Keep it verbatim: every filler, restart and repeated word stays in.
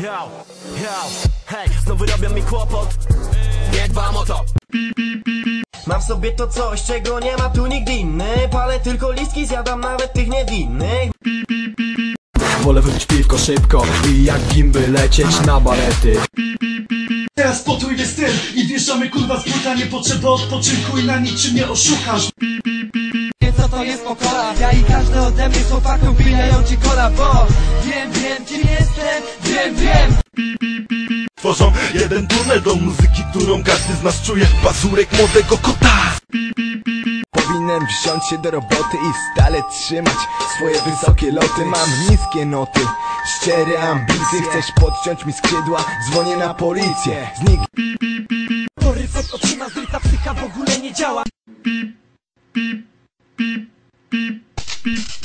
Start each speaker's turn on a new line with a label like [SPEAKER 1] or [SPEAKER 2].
[SPEAKER 1] Yo, yo, hej, znowu robią mi kłopot. Nie dbam o to.
[SPEAKER 2] Mam w sobie to coś, czego nie ma tu nigdy inny. Palę tylko listki, zjadam nawet tych niewinnych.
[SPEAKER 3] Wolę wypić piwko szybko i jak gimby lecieć na balety.
[SPEAKER 4] Teraz potrójny styl i wjeżdżamy kurwa z buta. Nie potrzeba odpoczynku i na niczym nie oszukasz.
[SPEAKER 5] Wiem co to jest pokora, ja i każdy ode mnie są faktą, wbijają ci kola, bo wiem, wiem kim jestem, wiem, wiem.
[SPEAKER 6] Tworzą jeden tunel do muzyki, którą każdy z nas czuje. Pazurek młodego kota.
[SPEAKER 3] Powinienem wziąć się do roboty i stale trzymać swoje wysokie loty. Mam niskie noty, szczere ambicje. Chcesz podciąć mi skrzydła? Dzwonię na policję. Znik...
[SPEAKER 5] Poryfek otrzyma zryta psycha w ogóle nie działa.
[SPEAKER 6] Beep, beep, beep, beep.